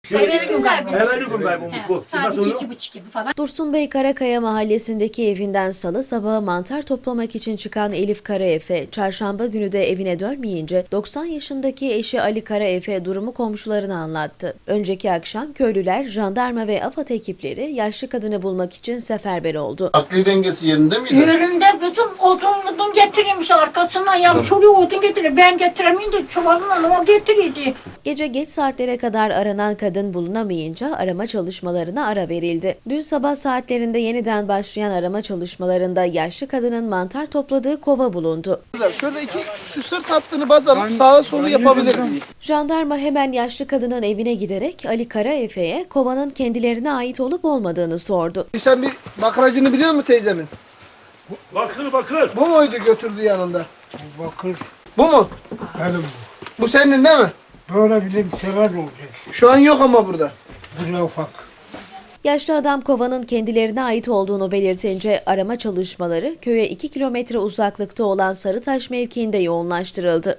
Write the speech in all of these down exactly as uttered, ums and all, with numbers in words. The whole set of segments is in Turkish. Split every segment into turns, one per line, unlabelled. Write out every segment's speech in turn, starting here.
Evveli gün kaybolmuş.
Evveli gün kaybolmuş bu.
Saat
Nasıl
iki,
oluyor?
iki buçuk gibi falan.
Dursun Bey Karakaya mahallesindeki evinden salı sabahı mantar toplamak için çıkan Elif Karaefe, çarşamba günü de evine dönmeyince doksan yaşındaki eşi Ali Karaefe durumu komşularına anlattı. Önceki akşam köylüler, jandarma ve AFAD ekipleri yaşlı kadını bulmak için seferber oldu.
Akli dengesi yerinde miydi?
Yerinde bütün odun odun getirmiş arkasına ya soruyor odun getiriyor. Ben getiremeyince çuvalımla o getiriyordu.
Gece geç saatlere kadar aranan kadın bulunamayınca arama çalışmalarına ara verildi. Dün sabah saatlerinde yeniden başlayan arama çalışmalarında yaşlı kadının mantar topladığı kova bulundu.
Şöyle iki şu sırt hattını baz alıp sağa solu yapabiliriz.
Jandarma hemen yaşlı kadının evine giderek Ali Karaefe'ye kovanın kendilerine ait olup olmadığını sordu.
Sen bir bakracını biliyor musun teyzemin?
Bakır bakır.
Bu muydu götürdü yanında?
Bakır
Bu mu?
benim
Bu senin değil mi?
böyle bir sever olacak.
Şu an yok ama burada.
Buraya ufak.
Yaşlı adam kovanın kendilerine ait olduğunu belirtince arama çalışmaları köye iki kilometre uzaklıkta olan Sarıtaş mevkiinde yoğunlaştırıldı.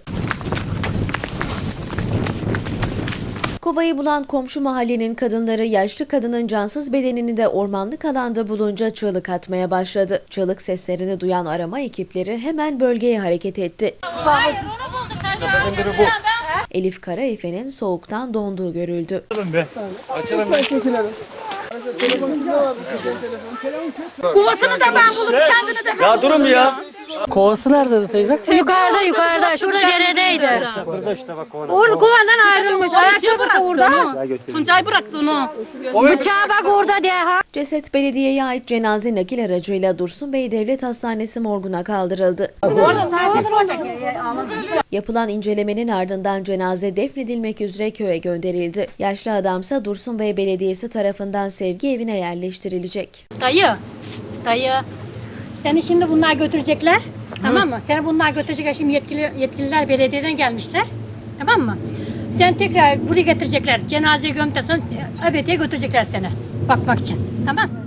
Kovayı bulan komşu mahallenin kadınları yaşlı kadının cansız bedenini de ormanlık alanda bulunca çığlık atmaya başladı. Çığlık seslerini duyan arama ekipleri hemen bölgeye hareket etti.
Hayır onu bulduk. Sen de bu.
Elif Karaefe'nin soğuktan donduğu görüldü.
Kovasını da ben bulup kendini de ben
Ya durun bir ya.
Kovası nerede teyze?
Yukarıda yukarıda şurada deredeydi.
Burada işte bak kovanın.
Orada kovandan ayrılmış. Ayakkabı orada. Tuncay bıraktı onu. Bıçağı bak orada diye ha.
Ceset belediyeye ait cenaze nakil aracıyla Dursun Bey Devlet Hastanesi morguna kaldırıldı. Yapılan incelemenin ardından cenaze defnedilmek üzere köye gönderildi. Yaşlı adamsa Dursun Bey Belediyesi tarafından sevgi evine yerleştirilecek.
Dayı, dayı. Seni şimdi bunlar götürecekler. Tamam mı? Seni bunlar götürecekler. Şimdi yetkili, yetkililer belediyeden gelmişler. Tamam mı? Sen tekrar buraya getirecekler. Cenazeyi gömdükten sonra ebediye götürecekler seni. Bakmak için. Tamam.